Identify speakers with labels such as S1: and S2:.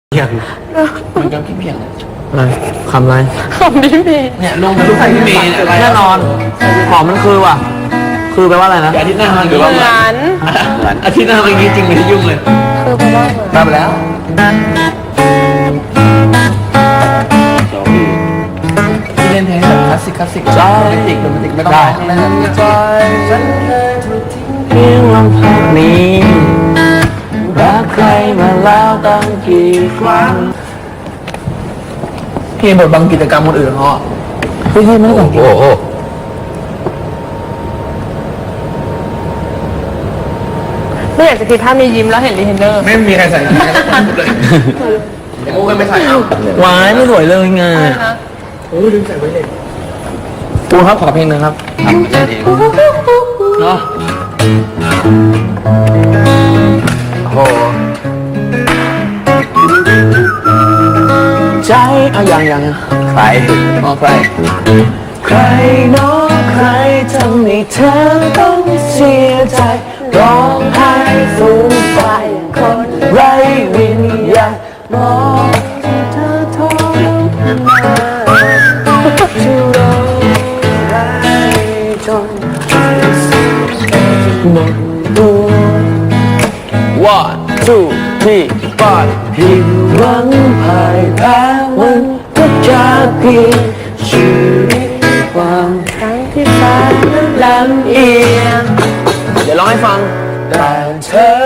S1: เพียง
S2: มันก็พี่เพียงเลย
S1: อะไรคำอะไร
S3: คำนี้มี
S2: เนี่ยลงมาทุกใครพี่เมย์อะไร
S1: แน่นอนหอมมันคือว่ะ คือแปลว่าอะไรนะ
S2: อาทิตย์หน้ามันหรือ
S3: เห
S2: ว่า
S3: มือน
S2: อาทิตย์หน้ามันจริงๆไม่ได้ยุ่งเลย
S3: คือเพราะว่าเหมือน
S2: ได้ไปแล้วที่เล่นเพลงแบบคลาสสิกโรแมนติกไม่ต้องร้องแล้วจอยฉันเคยถูกทิ้ง
S1: เพียงลำพังนี้รักใครมาแล้วตั้งกี่ครั้ง
S2: พี่บทบางกิจกรรมคนอื่นเขา
S1: พี่ไม่ได้สังเกต
S3: ไม่อยากจะคิดภาพมียิ้มแล้วเห็นรีเทนเนอร์
S2: ไม่มีใครใส่เลยอย่างงูกันไม่ใส่เอา
S1: วายไม่สวยเลยไง
S2: โอ้ลืมใส่ไว้เลย
S1: ปูครับขอเพลงหนึงครับ
S2: ทำเล่นเองเนาะ
S1: โอ้ใจเอายังใคร
S2: มองใคร
S1: ใครเน้องใครทำให้เธอต้องเสียใจร้องไห้สูญไปคนไร้วิญญาณมองที่เธอทรมานที่ร้องไห้จนหมดตัว One two three four ผิดหวังพ่ายแพ้มันก็จะเพียงชีวิตความครั้งที่ฟ้านั้นลำเอียงเดี๋ยวร้องให้ฟังแต่เธอ